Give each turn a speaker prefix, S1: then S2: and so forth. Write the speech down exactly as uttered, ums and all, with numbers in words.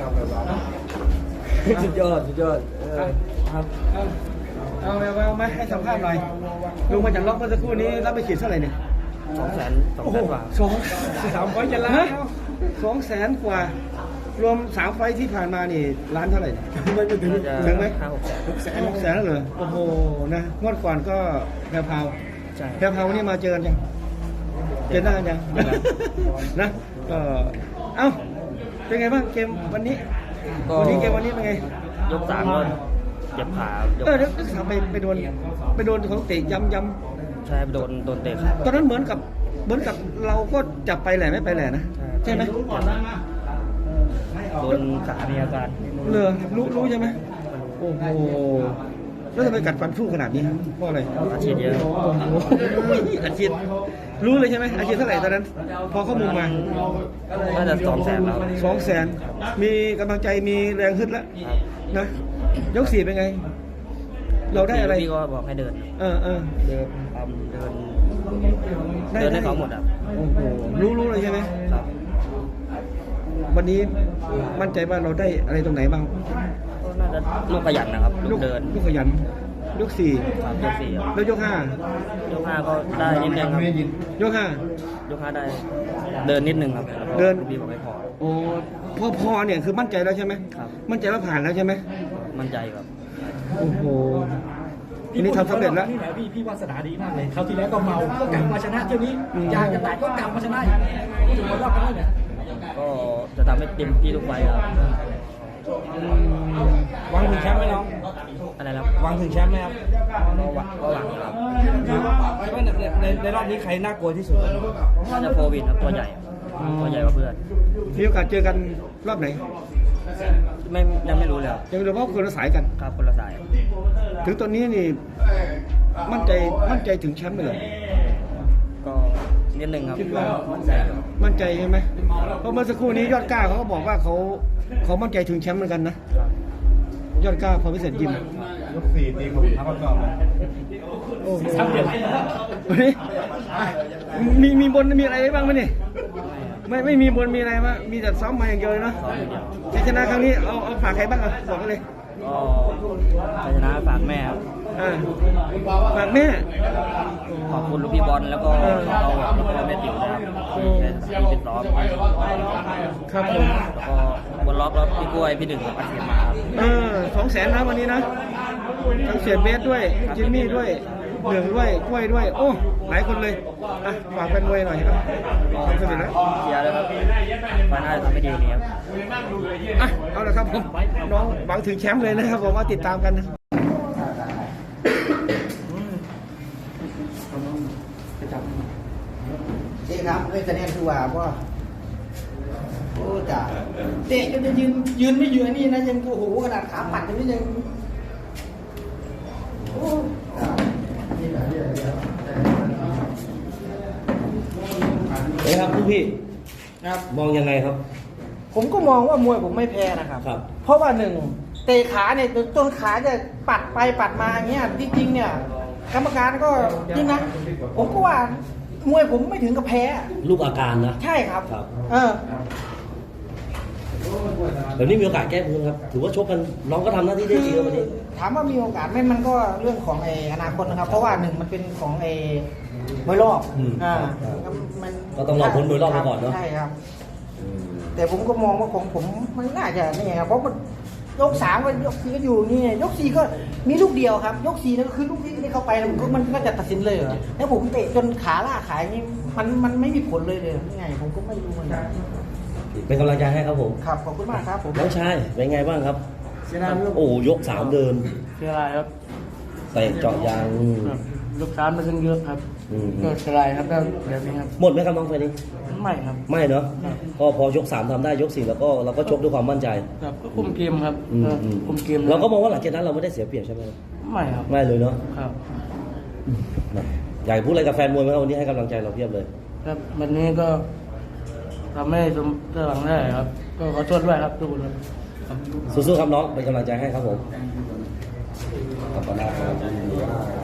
S1: สุดยอดสุดยอดครับเอาเอาเอาไหมให้สัมภาษณ์หน่อยลงมาจากล็อกเมื่อสักครู่นี้รับไปขีดเท่าไหร่เนี่ย
S2: สองแสนสองแสนกว่า
S1: สองสามไฟจะล้านสองแสนกว่ารวมสามไฟที่ผ่านมานี่ล้านเท่าไหร่ไม่ถึงถึงไหม
S2: ห้าหกแสน
S1: หกแสนหกแสนแล้วเหรอโอ้โหนะงวดก่อนก็แพรพาว
S2: ใช่
S1: แพรพาวนี่มาเจอกันยังเจอหน้ากันยังนะก็เอ้าเป็นไงบ้างเกมวันนี้วันนี้เกมวันนี้เป็นไง
S2: ยกสามก็เจ็บขา
S1: เออเดี๋ยวยกสามไปไปโดนไปโดนเขาเตะย้ำย้
S2: ำใช่โดนโดนเตะขา
S1: ตอนนั้นเหมือนกับเหมือนกับเราก็จับไปแหละไม่ไปแหละนะใช่ไหม
S2: โดนขามีอาการ
S1: เลอรู้รู้ใช่ไหมโอ้โหแล้วทำไมกัดฟันสู้ขนาดนี้เพราะอะไร
S2: อาชีพเยอะ
S1: โอ้โหอาชีพรู้เลยใช่ไหมอาชีพเท่าไหร่ตอนนั้นพอข้อมูลมา
S2: น่าจะสองแสนแล้ว
S1: สองแสนมีกำลังใจมีแรงขึ้นแล้วนะยกสี่เป็นไงเราได้อะไร
S2: พี่ก็บอกให้เดิน
S1: เออเออ
S2: เดินทำเดินเดินให้เขาหมดอ่ะ
S1: โอ้โหรู้รู้เลยใช่ไหม
S2: ครับ
S1: วันนี้มั่นใจว่าเราได้อะไรตรงไหนบ้าง
S2: ก็น่าจะลูกขยันนะครับลูกเดิน
S1: ลูกขยันยกสี่
S2: ครับยกสี่
S1: แล้วยกห้าย
S2: กห้าก็ได้นิดนึงครับ
S1: ยกห้าย
S2: กห้าได้เดินนิดนึงครับ
S1: เดิน
S2: พี่บอกไม่พอ
S1: โอ้พอพอเนี่ยคือมั่นใจแล้วใช่ไหม
S2: ครับ
S1: มั่นใจว่าผ่านแล้วใช่ไหม
S2: มั่นใจครับ
S1: โอ้โหทีนี้ทำสำเร็จแล้ว
S3: นี่แหละพี่พี่วาสนาดีมากเลยคราวที่แล้วก็เมาก็กลับมาชนะเที่ยวนี้อยากจะแตกก็กลับมาชนะอีกถึงวันรอบนั้นเนี่ย
S2: ก็จะทำให้เต็มที่ทุกไฟครับ
S3: วางถึงแชมป์ไหมน้อง
S2: อะไรครับ
S3: วางถึงแชมป์ไหมครับ
S2: ก็หวังก็หวังครับ
S3: คิดว่าในในในรอบนี้ใครน่ากลัวที่สุด
S2: น่าจะโควิดครับตัวใหญ่ตัวใหญ่กว่าเพื่อน
S1: มีโอกาสเจอกันรอบไหน
S2: ไม่ยังไม่รู้เลย
S1: ยังไม่รู้เพราะคนละสายกัน
S2: ครับคนละสาย
S1: ถึงตอนนี้นี่มั่นใจมั่นใจถึงแชมป์เลย
S2: ก็นิดนึงครับมั่นใจ
S1: มั่นใจใช่ไหมเพราะเมื่อสักครู่นี้ยอดกล้าเขาก็บอกว่าเขาเขามั่นใจถึงแชมป์เหมือนกันนะยอดกล้าพอพิเศษยิม
S3: ยกสี่ตีกับทัพกร
S1: โอ้ทำเดี๋ยววันนี้มีมีบนมีอะไรบ้างไหมเนี่ยไม่ไม่มีบนมีอะไรมั้ยมีแต่ซ้อมมาอย่างเดียวเลยเนาะชัยชนะครั้งนี้เอาเอาฝากใครบ้างอ่ะบอกกันเลย
S2: ก็ชัยชนะฝากแม่ครับ
S1: ฝากแม่
S2: ขอบคุณลูกพี่บอลแล้วก็เราแล้วก็แม่ติ๋วนะครับที่ติดล้อม
S1: ครับผม
S2: แล้วก็บนล็อกแล้วพี่กล้วยพี่ดึงกับอาเซียนมา
S1: เออสองแสนนะวันนี้นะทั้งเสียเบสด้วยจิมมี่ด้วยเหลืองด้วยกล้วยด้วยโอ้หลายคนเลยอ่ะฝากเป็นมวยหน่อยครับทำสำเร็จแล้ว
S2: เชียร์เลยครับมาหน้าทำไม่ดีนี้ครับ
S1: อ่ะเอาละครับผมน้องหวังถึงแชมป์เลยนะครับผมว่าติดตามกัน
S4: นี่ครับไม่คะแนนคือว่าว่าโอ้จ่าเตะจนจะยืนยืนไม่ยืนนี่นะยังโอ้โหขนาดขาปัดกันนี่ยังโอ้
S1: เฮ้ยครับลูกพี่ครับมองยังไงครับ
S4: ผมก็มองว่ามวยผมไม่แพ้นะครับ
S1: ครับ
S4: เพราะว่าหนึ่งเตะขาเนี่ยจนขาจะปัดไปปัดมาอย่างเงี้ยที่จริงเนี่ยกรรมการก็จริงนะผมก็ว่ามวยผมไม่ถึงกับแพ้
S1: รูปอาการนะ
S4: ใช่ครับ
S1: ครับ
S4: เออ
S1: แบบนี้มีโอกาสแก้มือครับถือว่าชกกันน้องก็ทำหน้าที่ได้ดีวันนี้
S4: ถามว่ามีโอกาสไหมมันก็เรื่องของไอ้อนาคตนะครับเพราะว่าหนึ่งมันเป็นของไอ้มวยรอบอ่า
S1: มันก็ต้องรอผลมวยรอบมาก่อนเนาะ
S4: ใช่ครับแต่ผมก็มองว่าของผมมันน่าจะนี่ครับเพราะมันยกสามก็ยกสี่ก็อยู่นี่ยกสี่ก็มีลูกเดียวครับยกสี่นั่นก็คือลูกที่ที่เข้าไปมันก็มันก็จะตัดสินเลยเหรอแล้วผมเตะจนขาล่าขายนี่มันมันไม่มีผลเลยเลยยังไงผมก็ไม่รู้เหมือนกัน
S1: เป็นกำลังใจให้ครับผม
S4: ครับขอบคุณมากครับผม
S1: น้องชายเป็นไงบ้างครับโอ้ยกสามเดิน
S3: เสียอะไรครับ
S1: เตะเจาะยาง
S3: ยกสามมาซึ่งเยอะครับก็เสียอะไรครับแบบนี้ครับ
S1: หมดไหมครับน้องไฟนี้
S3: ไม่ครับ
S1: ไม่เนาะก็พอยกสามทำได้ยกสี่แล้วก็เราก็ชกด้วยความมั่นใจ
S3: ครับก็คุมเกมครับคุมเกม
S1: เราก็มองว่าหลังจากนั้นเราไม่ได้เสียเปรียบใช่ไหม
S3: ไม่ครับ
S1: ไม่เลยเนาะ
S3: ครับ
S1: อยากพูดอะไรกับแฟนมวยไหมครับวันนี้ให้กำลังใจเราเพียบเลย
S3: ครับวันนี้ก็ทำให้สมหวังได้ครับก็ขอโทษด้วยครับทุกคน
S1: สู้ๆครับน้องเป็นกำลังใจให้ครับผมขอบคุณมากครับ